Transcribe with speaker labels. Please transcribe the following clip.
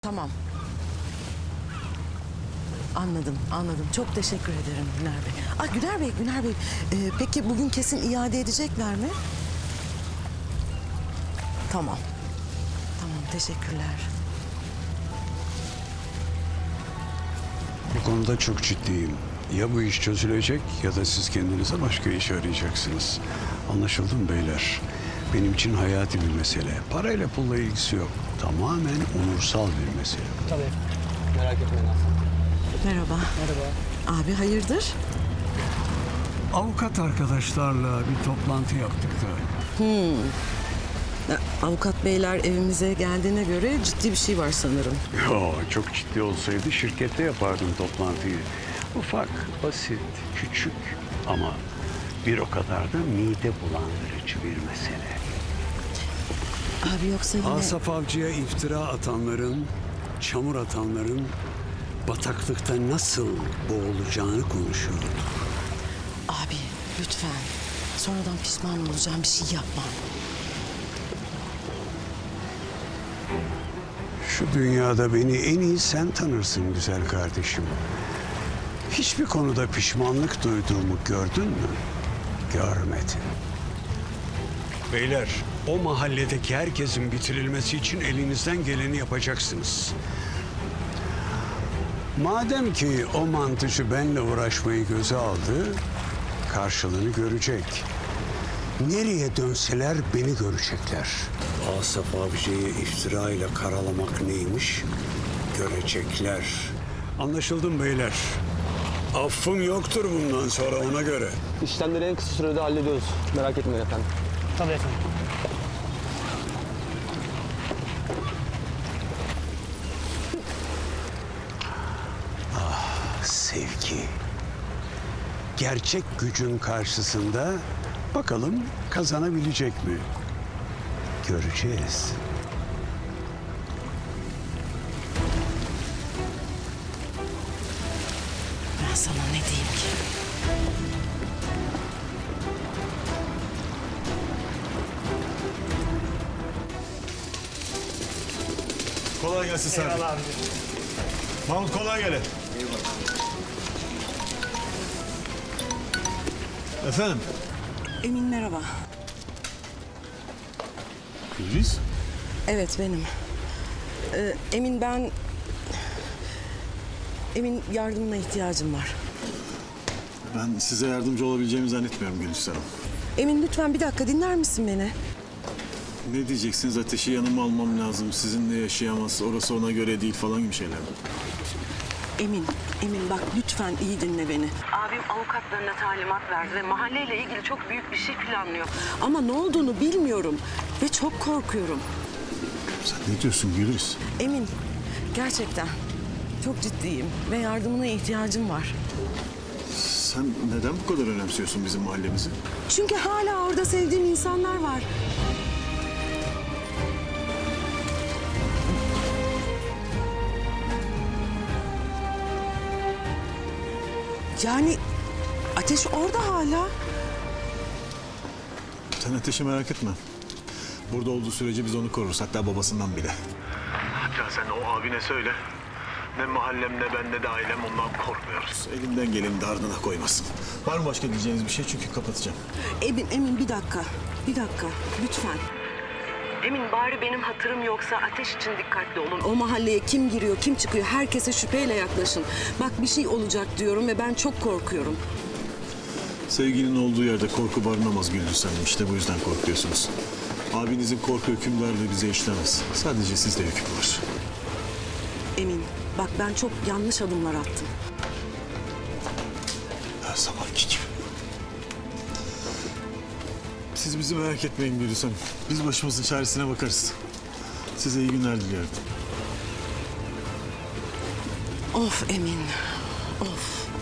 Speaker 1: Tamam. Anladım, anladım. Çok teşekkür ederim Güner Bey. Güner Bey. Peki bugün kesin iade edecekler mi? Tamam. Tamam, teşekkürler.
Speaker 2: Bu konuda çok ciddiyim. Ya bu iş çözülecek ya da siz kendinize başka iş arayacaksınız. Anlaşıldı mı beyler? Benim için hayati bir mesele. Parayla pulla ilgisi yok. Tamamen onursal bir mesele.
Speaker 3: Tabii. Merak etmeyin Aslan.
Speaker 1: Merhaba.
Speaker 3: Merhaba.
Speaker 1: Abi hayırdır?
Speaker 2: Avukat arkadaşlarla bir toplantı yaptık da.
Speaker 1: Avukat beyler evimize geldiğine göre ciddi bir şey var sanırım.
Speaker 2: Yo, çok ciddi olsaydı şirkette yapardım toplantıyı. Ufak, basit, küçük ama bir o kadar da mide bulandırıcı bir mesele.
Speaker 1: Abi yoksa yine...
Speaker 2: Asaf Avcı'ya iftira atanların, çamur atanların bataklıkta nasıl boğulacağını konuşuyordu.
Speaker 1: Abi lütfen. Sonradan pişman olacağım bir şey yapma.
Speaker 2: Şu dünyada beni en iyi sen tanırsın güzel kardeşim. Hiçbir konuda pişmanlık duyduğumu gördün mü? Görmedin. Beyler, o mahalledeki herkesin bitirilmesi için elinizden geleni yapacaksınız. Madem ki o mantıcı benle uğraşmayı göze aldı, karşılığını görecek. Nereye dönseler beni görecekler. Asaf Avcı'yı iftira ile karalamak neymiş görecekler. Anlaşıldı mı beyler? Affım yoktur bundan sonra ona göre.
Speaker 3: İşlemleri en kısa sürede hallediyoruz. Merak etmeyin efendim. Tabii efendim.
Speaker 2: Sevgi. Gerçek gücün karşısında bakalım kazanabilecek mi? Göreceğiz.
Speaker 1: Ben sana ne diyeyim ki?
Speaker 4: Kolay gelsin Sadi.
Speaker 3: Eyvallah abi.
Speaker 4: Mahmut kolay gelin. Efendim?
Speaker 1: Emin merhaba.
Speaker 4: Güliz?
Speaker 1: Evet benim. Emin ben... Emin yardımına ihtiyacım var.
Speaker 4: Ben size yardımcı olabileceğimi zannetmiyorum Güliz Hanım.
Speaker 1: Emin lütfen bir dakika dinler misin beni?
Speaker 4: Ne diyeceksiniz? Ateşi yanıma almam lazım. Sizinle yaşayamaz. Orası ona göre değil falan gibi şeyler mi?
Speaker 1: Emin bak lütfen iyi dinle beni. Abim avukatlarına talimat verdi ve mahalleyle ilgili çok büyük bir şey planlıyor. Ama ne olduğunu bilmiyorum ve çok korkuyorum.
Speaker 4: Sen ne diyorsun Güliz?
Speaker 1: Emin, gerçekten çok ciddiyim ve yardımına ihtiyacım var.
Speaker 4: Sen neden bu kadar önemsiyorsun bizim mahallemizi?
Speaker 1: Çünkü hala orada sevdiğim insanlar var. Yani Ateş orada hala.
Speaker 4: Sen Ateş'i merak etme. Burada olduğu sürece biz onu koruruz. Hatta babasından bile. Hatta sen o abine söyle. Ne mahallem ne ben ne de ailem ondan korkmuyoruz. Elinden geleni de ardına koymasın. Var mı başka diyeceğiniz bir şey? Çünkü kapatacağım.
Speaker 1: Emin bir dakika lütfen. Emin bari benim hatırım yoksa Ateş için dikkatli olun. O mahalleye kim giriyor, kim çıkıyor herkese şüpheyle yaklaşın. Bak bir şey olacak diyorum ve ben çok korkuyorum.
Speaker 4: Sevginin olduğu yerde korku barınamaz Gündüz Hanım. İşte bu yüzden korkuyorsunuz. Abinizin korku hükümlerle bize işlemez. Sadece sizde hüküm var.
Speaker 1: Emin bak ben çok yanlış adımlar attım.
Speaker 4: Her zamanki gibi. Siz bizi merak etmeyin Gündüz Hanım. Biz başımızın çaresine bakarız. Size iyi günler diliyorum.
Speaker 1: Of Emin, of.